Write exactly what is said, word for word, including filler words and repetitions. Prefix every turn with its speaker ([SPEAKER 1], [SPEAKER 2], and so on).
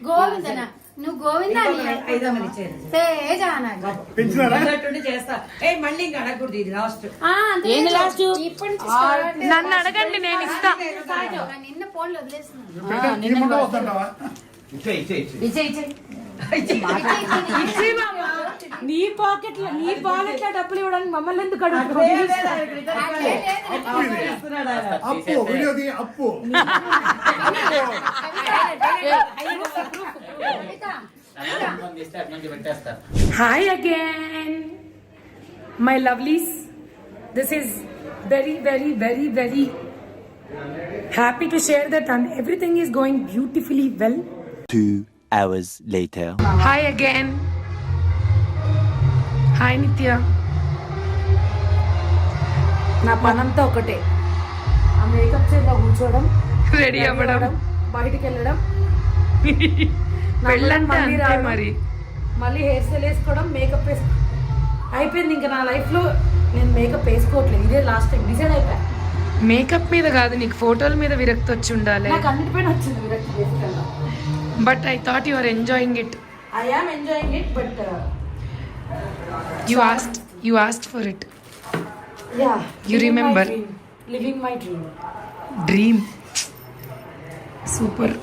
[SPEAKER 1] గోవిందన నువ్వు గోవింద
[SPEAKER 2] ఐదు వందలు ఇచ్చేది చేస్తా. ఏ మళ్ళీ ఇంకా అడగకూడదు, ఇది లాస్ట్.
[SPEAKER 3] ఏంది లాస్ట్?
[SPEAKER 1] ఇప్పటి నుంచి
[SPEAKER 3] నన్ను అడగండి, నేను ఇస్తా.
[SPEAKER 1] నిన్న ఫోన్లు వదిలేస్తున్నాను.
[SPEAKER 3] నీ పాకెట్ లో నీ పాకెట్ లో డబ్బులు ఇవ్వడానికి మమ్మల్ని ఎందుకు అడుగుతున్నావు? Hi again, my lovelies. This is very, very, very, very happy to share that and everything is going beautifully well.
[SPEAKER 4] Two hours later.
[SPEAKER 3] Hi again. Hi Nitya. నా పనంతా ఒకటే, ఆ మేకప్ చేత కూర్చోవడం, రెడీ అవ్వడం, బయటికి వెళ్ళడం, వెళ్ళంటే అంతే మరి, మళ్ళీ హెయిర్ స్టైల్ వేసుకోవడం, మేకప్ వేసుకో అయిపోయింది. ఇంకా నా లైఫ్లో నేను మేకప్ వేసుకోవట్లేదు, ఇదే లాస్ట్ టైం డిసైడ్ అయిపోయా. మేకప్ మీద కాదు, నీకు ఫోటోల మీద విరక్తి వచ్చి ఉండాలి. నాకు అన్నిటిపైన వచ్చింది విరక్తి బేసికల్గా. But I thought you are enjoying it. I am enjoying it, but you asked you asked for it. Yeah, you remember living my dream. Dream super.